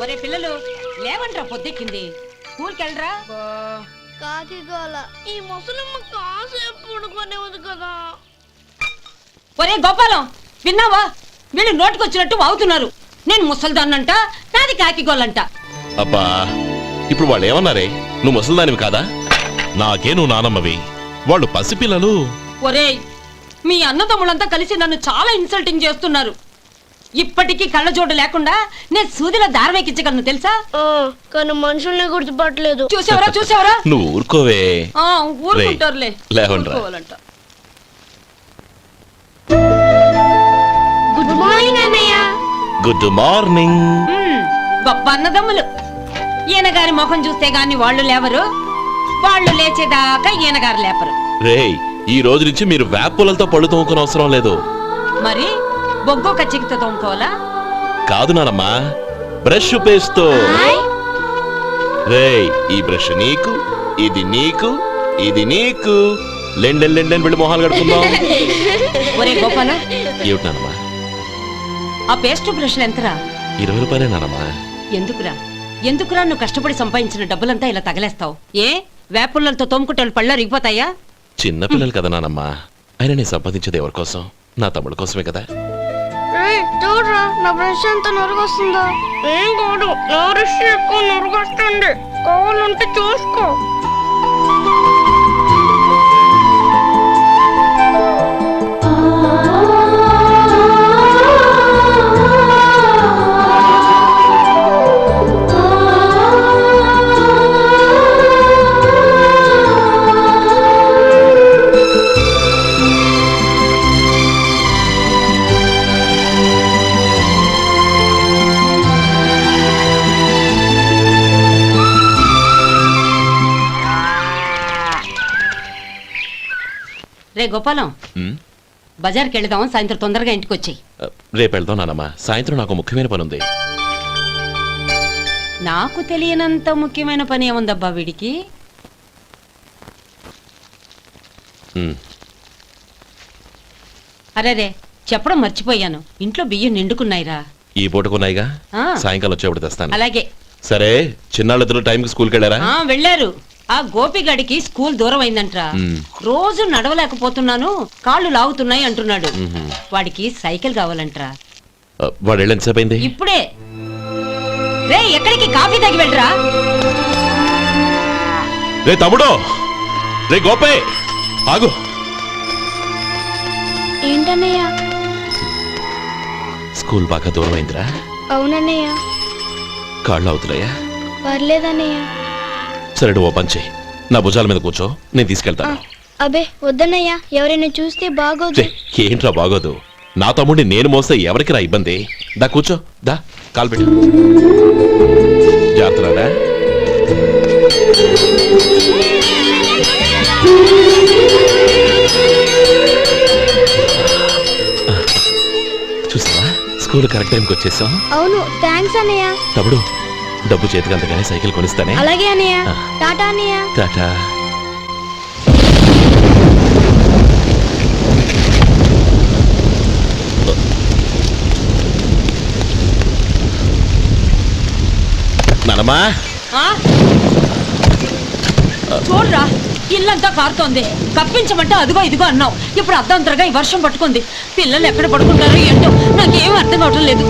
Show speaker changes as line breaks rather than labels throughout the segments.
ఒరే పిల్లలు లేవంట్రా, పొద్దెక్కింది. స్కూల్కి వెళ్ళరా.
కాకి గోల ఈ ముసలమ్మ కాసేపు పడుకోనేవద్దు కదా.
ఒరే గోపాలం, విన్నావా? వీళ్ళు నోటికొచ్చినట్టు వాగుతున్నారు. నేను ముసల్దాన్నంట, నాది కాకిగోలంట.
అబ్బా, ఇప్పుడు వాళ్ళు ఏమన్నారే? నువ్వు ముసల్దానివి కాదా? నాకే నువ్వు నానమ్మవి, వాళ్ళు పసిపిల్లలు.
ఒరే, మీ అన్నదమ్ములంతా కలిసి నన్ను చాలా ఇన్సల్టింగ్ చేస్తున్నారు. ఇప్పటికీ కళ్ళజోడు లేకుండా నేను సూదిలో దారం ఎక్కించగలను తెలుసా?
కానీ మనుషుల్ని గుర్తుపట్టలేదు.
చూసావరా చూసావరా?
నువ్వు ఊరుకోవే.
ఊరుకుంటారులే.
లేవండ్రా.
గుడ్ మార్నింగ్ అన్నయ్య.
Good morning.
గొప్ప అన్నదమ్ములు. ఈయనగారి ముఖం చూస్తే గాని వాళ్ళు లేవరు, వాళ్ళు లేచేదాకా ఈయనగారు లేపరు.
రేయ్, ఈ రోజు నుంచి మీరు వేపులతో పళ్ళు తోముకునే అవసరం లేదు.
మరి బొగ్గో కచ్చికితో తోముకోవాలా?
కాదు నానమ్మా, బ్రష్ పేస్తో. రేయ్, ఈ బ్రష్ నీకు, ఇది నీకు, ఇది నీకు. లెండెన్ వెళ్ళి మొహాలు కడుకుందాం.
ఒరే గోపాల,
ఏమిటి నానమ్మా?
ఆ పేస్ట్ బ్రష్లు ఎంతరా?
20 రూపాయలే నానమ్మా.
ఎందుకురా నువ్వు కష్టపడి సంపాదించిన డబ్బులంతా ఇలా తగలేస్తావు? ఏ వేపుల్లలతో తోముకుంటే పళ్ళు అరిగిపోతాయా?
చిన్నపిల్లలు కదా నానమ్మా. అయినా నేను సంపాదించేది ఎవరి కోసం? నా తమ్ముడు కోసమే కదా.
చూడరా, నా బ్రష్ ఎంత నొరుగొస్తుందో. ఏం కాదు, నా బ్రష్ ఎక్కువ నొరుగొస్తుంది. కావాలంటే చూసుకో.
రే గోపాలం, బజార్కి వెళదాం. సాయంత్రం తొందరగా ఇంటికి వచ్చాయి.
రేపు వెళ్దాం నానమ్మా. సాయంత్రం నాకు ముఖ్యమైన పని ఉంది.
నాకు తెలియనంత ముఖ్యమైన పని ఏముందబ్బా వీడికి? అరేరే, చెప్పడం మర్చిపోయాను. ఇంట్లో బియ్యం నిండుకున్నాయిరా.
ఈ పూటకున్నాయిగా, సాయంకాలం వచ్చేప్పుడు తెస్తాను.
అలాగే.
సరే, చిన్నాళ్ళిద్దరు టైంకి స్కూల్కి వెళ్ళారా?
వెళ్ళారు. ఆ గోపిగడికి స్కూల్ దూరం అయిందంట్రా. రోజు నడవలేకపోతున్నాను, కాళ్ళు లాగుతున్నాయి అంటున్నాడు. వాడికి సైకిల్ కావాలంట్రా.
వాడు వెళ్ళి ఎంతసేపు అయింది?
ఇప్పుడే. రే, ఎక్కడికి? కాఫీ తాగి వెళ్ళరా.
రే తమ్ముడు, రే గోపే, ఆగు.
ఏంటన్నయ్య?
స్కూల్ బాగా దూరం అయిందిరా.
అవునన్నయ్య.
కాళ్ళు అవుతున్నాయా?
పర్లేదన్నయ్య.
సరే, ఓ పని చెయ్యి, నా భుజాల మీద కూర్చో, నేను తీసుకెళ్తాను.
అబే వద్దన్నయ్య, ఎవరైనా చూస్తే బాగోదు.
ఏంట్రా బాగోదు? నా తమ్ముడిని నేను మోస్తే ఎవరికి రా ఇబ్బంది? దా కూర్చో, దా కాలు పెట్టు. జాగ్రత్తరా. చూసావా, స్కూల్ కరెక్ట్ టైంకి వచ్చేసాం.
అవును, థ్యాంక్స్ అన్నయ్య.
తమ్ముడు, డబ్బు చేతికి అంతగానే సైకిల్ కొనిస్తానే.
అలాగే అన్నయ్య. టాటా అన్నయ్య.
టాటా. నానమ్మా,
చూడరా, ఇల్లంతా కారుతోంది. కప్పించమంటే అదిగో ఇదిగో అన్నావు. ఇప్పుడు అర్ధంతరగా ఈ వర్షం పట్టుకుంది. పిల్లలు ఎక్కడ పడుకుంటారో ఏంటో నాకేం అర్థం కావటం లేదు.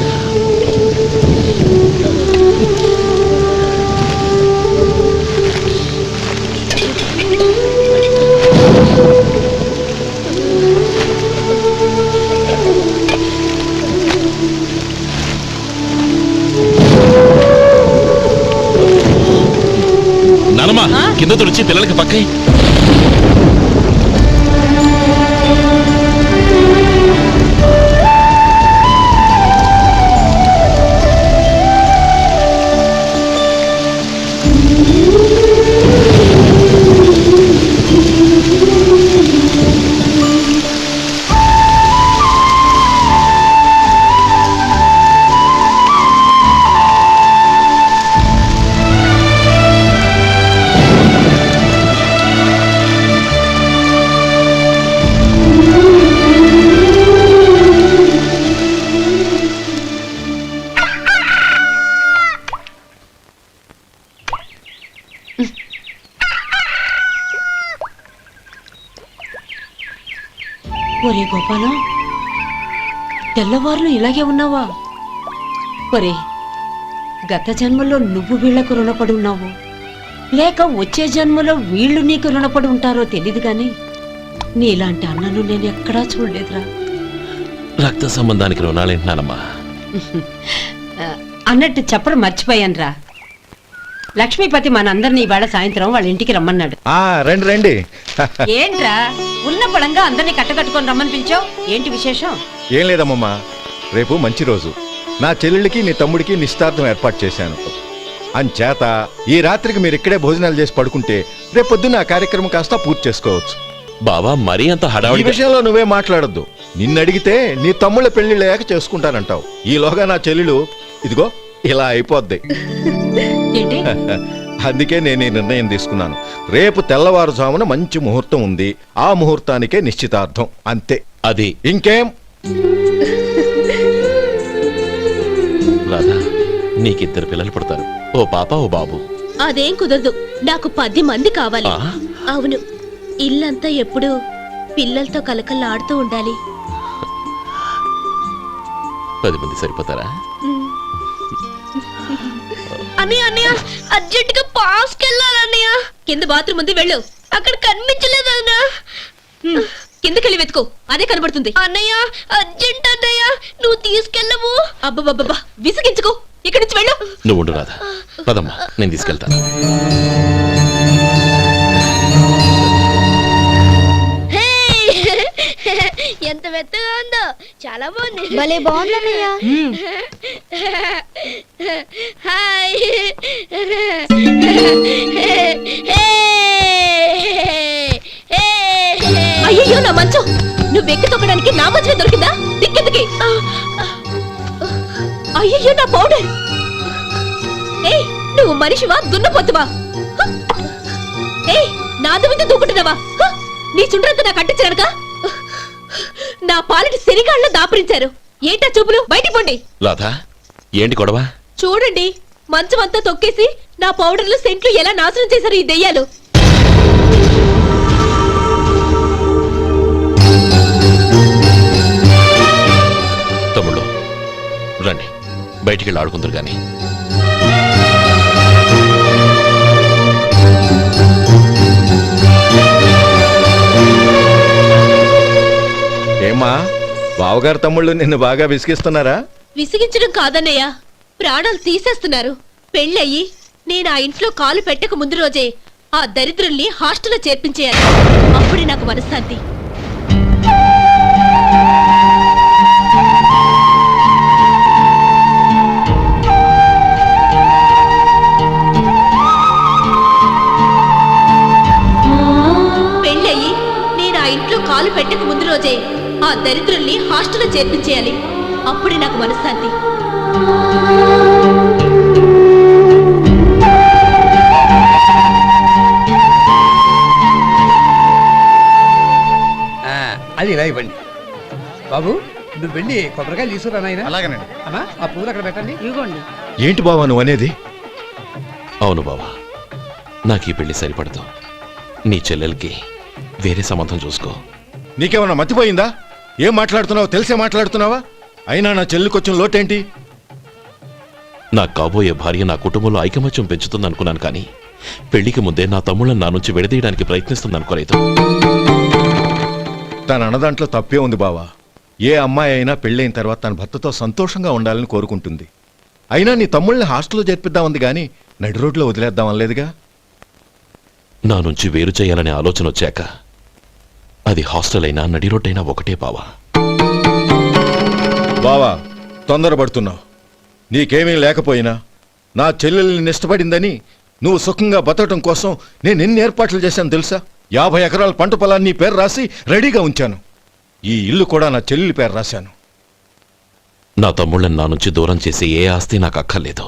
నానమ్మా, కింద తుడిచి పిల్లలకి పక్కై.
ఒరే గోపాలం, తెల్లవారులు ఇలాగే ఉన్నావా? ఒరే, గత జన్మలో నువ్వు వీళ్లకు రుణపడి ఉన్నావు, లేక వచ్చే జన్మలో వీళ్ళు నీకు రుణపడి ఉంటారో తెలీదు గాని నీలాంటి అన్నను నేను ఎక్కడా చూడలేదురా.
రక్త సంబంధానికి రుణాలేంటున్నానమ్మా.
అన్నట్టు చెప్పడం మర్చిపోయానురా. లక్ష్మీపతి మనందరినీ ఇవాళ సాయంత్రం వాళ్ళ ఇంటికి రమ్మన్నాడు.
రండి రండి.
ఏంట్రా ఉన్న బలంగా అందరినీ కట్టకట్టుకొని రమ్మని పిలిచావు? ఏంటి విశేషం?
ఏం లేదమ్మమ్మా, రేపు మంచి రోజు. నా చెల్లెళ్ళకి నీ తమ్ముడికి నిశ్చితార్థం ఏర్పాటు చేశాను. అంచేత ఈ రాత్రికి మీరు ఇక్కడే భోజనాలు చేసి పడుకుంటే రేపు పొద్దున్న ఆ కార్యక్రమం కాస్త పూర్తి చేసుకోవచ్చు.
బావా, మరీ అంత
ఈ
హడావిడి
విషయంలో నువ్వే మాట్లాడొద్దు. నిన్ను అడిగితే నీ తమ్ముళ్ళ పెళ్లిళ్ళయ్యాక చేసుకుంటానంటావు. ఈలోగా నా చెల్లెలు ఇదిగో ఇలా అయిపోద్ది.
ఏంటి?
అందుకే నేను ఈ నిర్ణయం తీసుకున్నాను. రేపు తెల్లవారుజామున మంచి ముహూర్తం ఉంది. ఆ ముహూర్తానికే నిశ్చితార్థం, అంతే.
అది
ఇంకేం?
రాధా, నీకిద్దరు పిల్లలు పుడతారు, ఓ పాప ఓ బాబు.
అదేం కుదరదు, నాకు 10 మంది కావాలి.
ఆ?
అవును, ఇల్లంతా ఎప్పుడు పిల్లలతో కలకల్లాడుతూ ఉండాలి.
10 మంది సరిపోతారా?
అన్నయ్య అన్నయ్య, అర్జెంట్ గా పాస్కి వెళ్ళాలన్నయ్య. కింద బాత్రూమ్ ఉంది, వెళ్ళు. అక్కడ కనిపించలేదు అన్న. కిందకెళ్ళి వెతుకో, అదే కనబడుతుంది. అన్నయ్య అర్జెంట్ అన్నయ్య, నువ్వు తీసుకెళ్ళవు. అబ్బబ్బబ్బా, విసిగించుకో, ఇక్కడి నుంచి వెళ్ళు.
నువ్వు ఉండు రాధా, పదమ్మా, నేను తీసుకెళ్తాను.
ఎంత మెత్తగా ఉందో, చాలా బాగుంది. భలే బాగుంది అన్నయ్య. హాయ్. అయ్యో, నా మంచం నువ్వు ఎక్కి తొక్కడానికి నా మంచమే దొరికిందా? దిక్కెందుకి? అయ్యో, నా పౌడర్. ఏయ్, నువ్వు మనిషివా దున్నపోతువా? ఏయ్, నాది మీద దూకుంటున్నావా? నీ చుండ్రంతా నాకు అంటించడానిక? నా పాలిటి శనిగాళ్ళ దాపరించారు. ఏంటా చూపులు? బయటికి పోండి.
రాధా, ఏంటి గొడవ?
చూడండి, మంచం అంతా తొక్కేసి నా పౌడర్లు సెంట్లు ఎలా నాశనం చేశారు ఈ దెయ్యాలు.
తమ్ముళ్ళు రండి, బయటికి వెళ్ళి ఆడుకుందరు గాని.
ఏమ్మా, బావగారు తమ్ముళ్ళు నిన్ను బాగా విసిగిస్తున్నారా?
విసిగించడం కాదన్నయ్య, ప్రాణాలు తీసేస్తున్నారు. పెళ్ళయి నేను ఆ ఇంట్లో కాలు పెట్టక ముందు రోజే ఆ దరిద్రుల్ని హాస్టల్లో చేర్పించేయాలి. అప్పుడే నాకు మనశ్శాంతి. పెళ్ళయి నేను ఆ ఇంట్లో కాలు పెట్టక ముందు రోజే ఆ దరిద్రుల్ని హాస్టల్లో చేర్పించేయాలి. అప్పుడే నాకు మనశ్శాంతి.
అది ఇలా ఇవ్వండి బాబు. నువ్వు వెళ్ళి కొబ్బరికాయలు తీసుకురా నాయనా.
అలాగేనండి.
అమ్మా, ఆ పూలు అక్కడ పెట్టండి.
ఇవ్వండి.
ఏంటి బావా నువ్వు అనేది?
అవును బావా, నాకు ఈ పెళ్లి సరిపడదు. నీ చెల్లెలకి వేరే సంబంధం చూసుకో.
నీకేమన్నా మతిపోయిందా? ఏం మాట్లాడుతున్నావు తెలిసే మాట్లాడుతున్నావా? అయినా నా చెల్లికొచ్చిన లోటేంటి?
నా కాబోయే భార్య నా కుటుంబంలో ఐకమత్యం పెంచుతుంది అనుకున్నాను, కానీ పెళ్లికి ముందే నా తమ్ముళ్ళని నా నుంచి విడదీయడానికి ప్రయత్నిస్తుంది అనుకోలేదు.
తన అన్నదాంట్లో తప్పే ఉంది బావా. ఏ అమ్మాయి అయినా పెళ్ళైన తర్వాత తన భర్తతో సంతోషంగా ఉండాలని కోరుకుంటుంది. అయినా నీ తమ్ముళ్ళని హాస్టల్లో చేర్పిద్దామంది కానీ నడి రోడ్లో వదిలేద్దామనలేదుగా.
నా నుంచి వేరు చేయాలనే ఆలోచన వచ్చాక అది హాస్టల్ అయినా నడి రోడ్డైనా ఒకటే బావా.
బావా, తొందరపడుతున్నావు. నీకేమీ లేకపోయినా నా చెల్లెల్ని ఇష్టపడిందని నువ్వు సుఖంగా బతకటం కోసం నేను ఎన్ని ఏర్పాట్లు చేశాను తెలుసా? 50 ఎకరాల పంట పొలాన్ని నీ పేరు రాసి రెడీగా ఉంచాను. ఈ ఇల్లు కూడా నా చెల్లెలి పేరు రాశాను.
నా తమ్ముళ్ళని నా నుంచి దూరం చేసే ఏ ఆస్తి నాకు అక్కర్లేదు.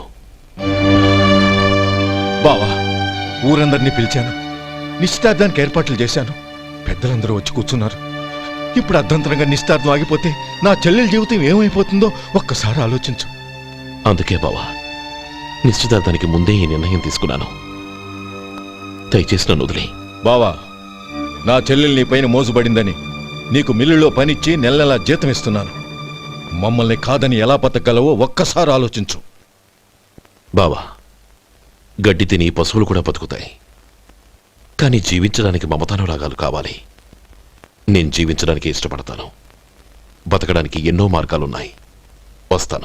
బావా, ఊరందరినీ పిలిచాను, నిశ్చితార్థానికి ఏర్పాట్లు చేశాను. పెద్దలందరూ వచ్చి కూర్చున్నారు. ఇప్పుడు అర్ధంతరంగా నిశ్చితార్థం ఆగిపోతే నా చెల్లెల జీవితం ఏమైపోతుందో ఒక్కసారి ఆలోచించు.
అందుకే బావా, నిశ్చితార్థానికి ముందే ఈ నిర్ణయం తీసుకున్నాను. దయచేసి నన్ను వదిలే.
బావా, నా చెల్లెలు నీ పైన మోసుబడిందని నీకు మిల్లులో పనిచ్చి నెల నెలా జీతం ఇస్తున్నాను. మమ్మల్ని కాదని ఎలా బతకగలవో ఒక్కసారి ఆలోచించు.
బావా, గడ్డి తిని పశువులు కూడా బతుకుతాయి. కానీ జీవించడానికి మమతానురాగాలు కావాలి. నేను జీవించడానికి ఇష్టపడతాను. బతకడానికి ఎన్నో మార్గాలున్నాయి. వస్తాను.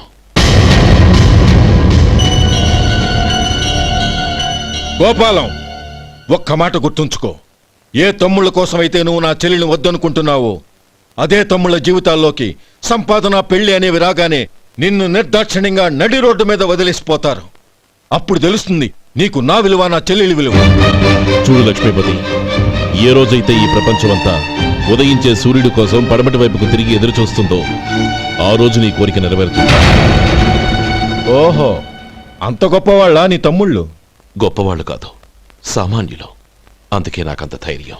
గోపాలం, ఒక్క మాట గుర్తుంచుకో. ఏ తమ్ముళ్ళ కోసమైతే నువ్వు నా చెల్లిని వద్దనుకుంటున్నావో అదే తమ్ముళ్ళ జీవితాల్లోకి సంపాదన, పెళ్లి అనేవి రాగానే నిన్ను నిర్దాక్షిణ్యంగా నడి రోడ్డు మీద వదిలేసిపోతారు. అప్పుడు తెలుస్తుంది నీకు నా విలువ, నా చెల్లెలి విలువ.
చూడు లక్ష్మీపతి, ఏ రోజైతే ఈ ప్రపంచమంతా ఉదయించే సూర్యుడి కోసం పడమటి వైపుకు తిరిగి ఎదురు చూస్తుందో ఆ రోజు నీ కోరిక నెరవేరుతుంది.
ఓహో, అంత గొప్పవాళ్ళ నీ తమ్ముళ్ళు?
గొప్పవాళ్ళు కాదు, సామాన్యులు. అందుకే నాకంత ధైర్యం.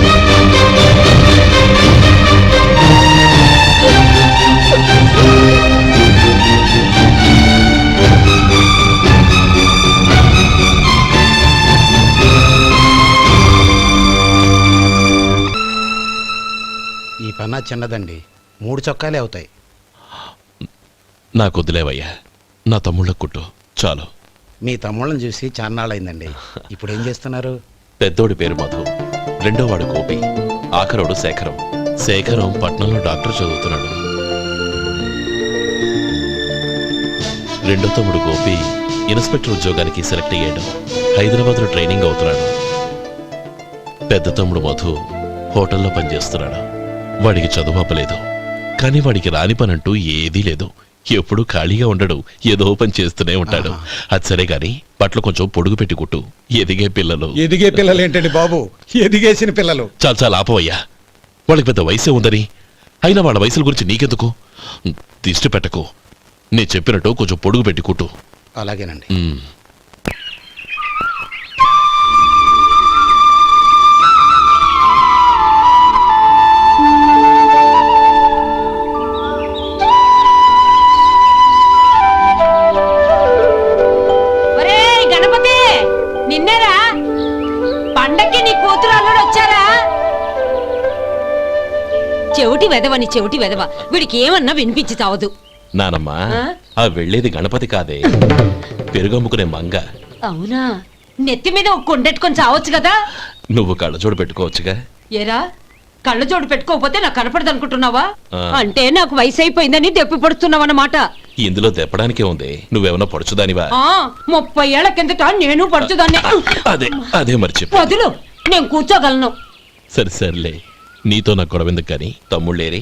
ఈ పన్నా చిన్నదండి, 3 చొక్కాలే అవుతాయి.
నాకొద్దులేవయ్యా, నా తమ్ముళ్ళ కుట్టు చాలు.
మీ తమ్ముళ్ళని చూసి చాన్నాళ్ళైందండి. ఇప్పుడు ఏం చేస్తున్నారు?
పెద్దోడి పేరు మధు, రెండోవాడు గోపి, ఆఖరోడు శేఖరం. శేఖరం పట్నంలో డాక్టర్ చదువుతున్నాడు. రెండో తమ్ముడు గోపి ఇన్స్పెక్టర్ ఉద్యోగానికి సెలెక్ట్ అయ్యాడు. హైదరాబాద్లో ట్రైనింగ్ అవుతున్నాడు. పెద్ద తమ్ముడు మధు హోటల్లో పనిచేస్తున్నాడు. వాడికి చదువు అప్పలేదు, కానీ వాడికి రాని పనంటూ ఏదీ లేదు. ఎప్పుడు ఖాళీగా ఉండడు, ఏదో పని చేస్తూనే ఉంటాడు. అది సరే గాని బట్టలు కొంచెం పొడుగు పెట్టి కుట్టు. ఎదిగే పిల్లలు.
ఎదిగే పిల్లలు ఏంటండి బాబు, ఎదిగేసిన పిల్లలు.
చాలా చాలా ఆపవయ్యా, వాళ్ళకి పెద్ద వయసే ఉందని. అయినా వాళ్ళ వయసుల గురించి నీకెందుకు? దిష్టి పెట్టకు. నేను చెప్పినట్టు కొంచెం పొడుగు పెట్టి కుట్టు.
అలాగేనండి.
ఒరేయ్ గణపతి, నిన్నేరా? పండక్కి నీ కూతురు అల్లుడు వచ్చారా? చెవిటి వెదవని చెవిటి వెదవ, వీడికి ఏమన్నా వినిపించి చావదు.
నానమ్మా,
ఆ?
ఆ వెళ్ళేది గణపతి కాదే, పెరుగమ్ముకునే మంగ.
అవునా? నెత్తి మీద ఒక కొండెట్టుకొని చావచ్చు కదా.
నువ్వు కళ్ళజోడు పెట్టుకోవచ్చుగా.
ఏరా, కళ్ళ జోడు పెట్టుకోకపోతే నాకు కనపడదు అనుకుంటున్నావా?
ఆ.
అంటే నాకు వయసు అయిపోయిందని దెప్పి పడుతున్నావన్నమాట.
ఇందులో దెప్పడానికే ఉంది. నువ్వేమన్నా పడుచుదానివా?
30 ఏళ్ల కిందట నేను పడుచుదాన్ని.
అదే అదే మరి చెప్పు.
వదులు, నేను కూర్చోగలను.
సరే సర్లే, నీతో నాకు గొడవ ఎందుకు కానీ. తమ్ముళ్ళేరి?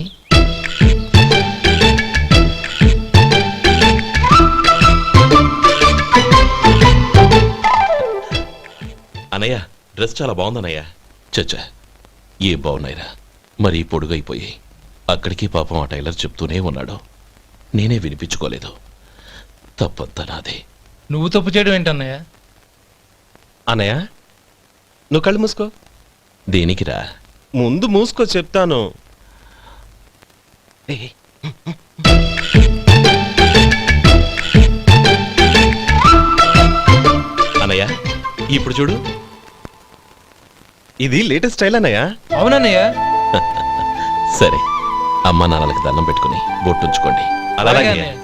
అనయ్య, డ్రెస్ చాలా బాగుందన్నయ్య. చచ్చా, ఏ బాగున్నాయిరా, మరీ పొడుగైపోయి. అక్కడికి పాపం ఆ టైలర్ చెప్తూనే ఉన్నాడు, నేనే వినిపించుకోలేదు. తప్పంతా నాదే.
నువ్వు తప్పు చేయడం ఏంటన్నయ్య?
అన్నయ్య, నువ్వు కళ్ళు మూసుకో.
దేనికిరా?
ముందు మూసుకో చెప్తాను.
అన్నయ్య, ఇప్పుడు చూడు.
ఇది లేటెస్ట్ స్టైల్ అన్నయ్య.
అవునన్నయ్య.
సరే, అమ్మా నాన్నలకి దండం పెట్టుకుని బొట్టుంచుకోండి. అలాగే.
అలాగే అన్నయ్య.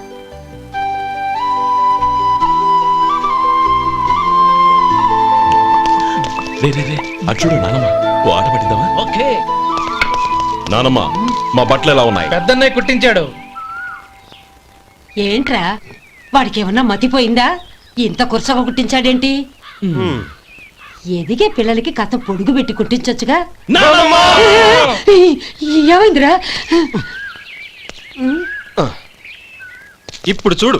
రే రే రే, అటు చూడు నానమ్మ, ఓ ఆట పట్టిద్దామా?
ఓకే.
నానమ్మ, మా బట్టలు ఎలా ఉన్నాయి?
పెద్దన్నయ్య కుట్టించాడు.
ఏంట్రా, వాడికి ఏమన్నా మతిపోయిందా? ఇంత కురసగా కుట్టించాడేంటి? ఎదిగే పిల్లలకి కథ పొడుగు పెట్టి కుట్టించొచ్చుగా. ఏమైందిరా?
ఇప్పుడు చూడు.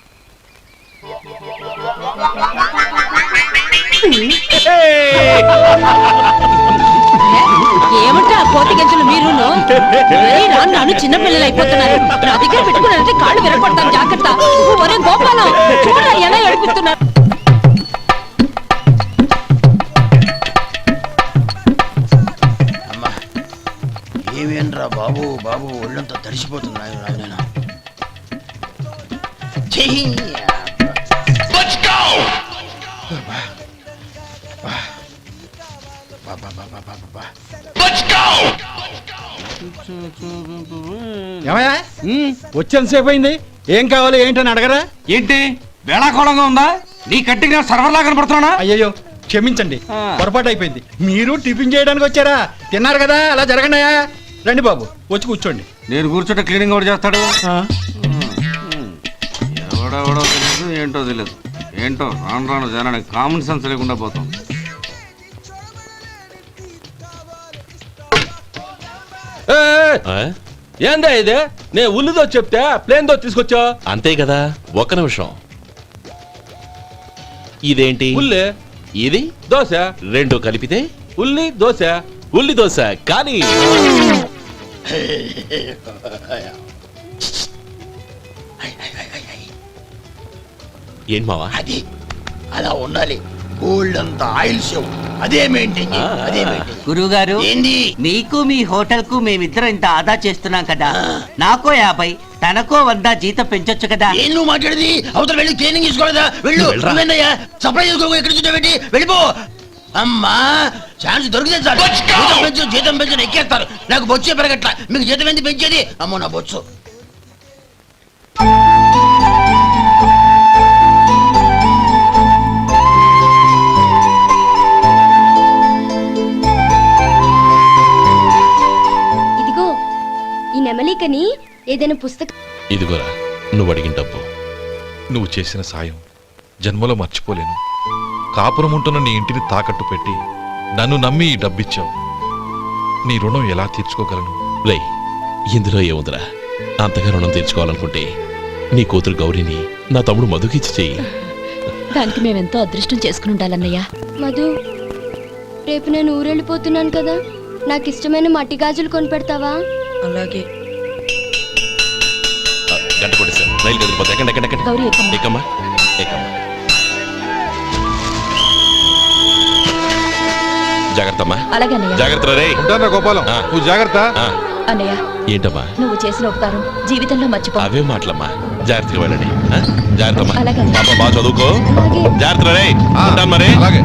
ఏమంటా కోతి గంజలు మీరును? నన్ను చిన్న పిల్లలు అయిపోతున్నారు. నా దగ్గర పెట్టుకున్నారంటే కాళ్ళు విరగొడతాను, జాగ్రత్త. ఒరే గోపాలం, చూడరా ఎలా ఏడిపిస్తున్నారు.
ఏమేంట్రా బాబు, బాబు ఒళ్ళంతా తడిసిపోతుంది. నాయనా
ఏమయ్యా వచ్చేంతసేపు అయింది, ఏం కావాలి ఏంటని అడగరా?
ఏంటి వేళాకోళంగా ఉందా? నీ కట్టిగా సర్వర్లా కనపడుతున్నా?
అయ్యయ్యో క్షమించండి, పొరపాటు అయిపోయింది. మీరు టిఫిన్ చేయడానికి వచ్చారా? తిన్నారు కదా, అలా జరగండియా. రండి బాబు, వచ్చి కూర్చోండి.
నేను కూర్చుంటే క్లీనింగ్ కూడా చేస్తాడు. ఎవడెవడో తెలియదు, ఏంటో తెలియదు. ఏంటో రాను రాను జనానికి కామన్ సెన్స్ లేకుండా పోతాం.
ఆ?
ఏందా ఇదే? నేను ఉల్లిదో చెప్తే ప్లేన్ దో తీసుకొచ్చా.
అంతే కదా, ఒక్క నిమిషం. ఇదేంటి?
ఉల్లి
ఇది
దోశ,
రెండు కలిపితే
ఉల్లి దోశ.
ఉల్లి దోశ. కానీ ఏం మావా?
అది అలా ఉండాలి. గోల్డ్ అంత ఆయిల్ షో అదే మెయింటైన్ చేయి, అదే మెయింటైన్.
గురువుగారు,
ఏంది?
మీకు మీ హోటల్ కు మేమిద్దరం ఇంత ఆదా చేస్తున్నాం కదా, నాకో 50 తనకో 100 జీతం పెంచొచ్చు కదా.
ఏం నువ్వు మాట్లాడేది? అవతల వెళ్ళి ట్రైనింగ్ తీసుకోలేదా? వెళ్ళు.
వెళ్ళరా.
నువ్వేందయ్యా సప్లై చేసుకో, ఎక్కడ చూడబెట్టి వెళ్ళిపో. అమ్మా ఛాన్స్ దొరికితే చాలు. జీతం పెంచు ఎక్కేస్తారు. నాకు బొచ్చే పెరగట్ల, మీకు జీతం ఎందుకు పెంచేది? అమ్మో నా బొచ్చు.
ఇదిగో ఈ నెమలికని ఏదైనా పుస్తకం.
ఇదిగోరా, నువ్వు అడిగిన డబ్బు.
నువ్వు చేసిన సాయం జన్మలో మర్చిపోలేను. కాపురం ఉంటున్న నీ ఇంటిని తాకట్టు పెట్టి నన్ను నమ్మి ఈ డబ్బిచ్చావు. నీ రుణం ఎలా తీర్చుకోగలను?
రేయ్, ఇందులో ఏముందిరా? అంతగా రుణం తీర్చుకోవాలనుకుంటే నీ కూతురు గౌరీని నా తమ్ముడు మధుకిచ్చి చెయ్యి.
దానికి మేమెంతో అదృష్టం చేసుకుని ఉండాలన్నయ్య. మధు, రేపు నేను ఊరెళ్ళిపోతున్నాను కదా, నాకు ఇష్టమైన మట్టి గాజులు కొని పెడతావా?
అలాగే.
గంట కొట్టేశాను, రైలు కదిలిపోతే. ఎక్కండి ఎక్కండి ఎక్కండి.
గౌరీ, ఎక్కమ్మా.
ఎక్కమ్మా ఎక్కమ్మా. జాగ్రత్త అమ్మా.
అలాగే అన్నయ్య.
జాగ్రత్త రే.
ఉంటానా గోపాలం,
ఆ.
నువ్వు జాగ్రత్త.
ఆ,
అన్నయ్య,
ఏంటమ్మా?
నువ్వు చేసిన ఉపకారం జీవితంలో మర్చిపో.
అవే మాటలమ్మా. జాగ్రత్తగా వెళ్ళండి. ఆ? జాగ్రత్త అమ్మా.
అలాగే.
పాప బాగా చదువుకో.
అలాగే.
జాగ్రత్త రే.
ఆ,
ఉంటాను మరి.
అలాగే.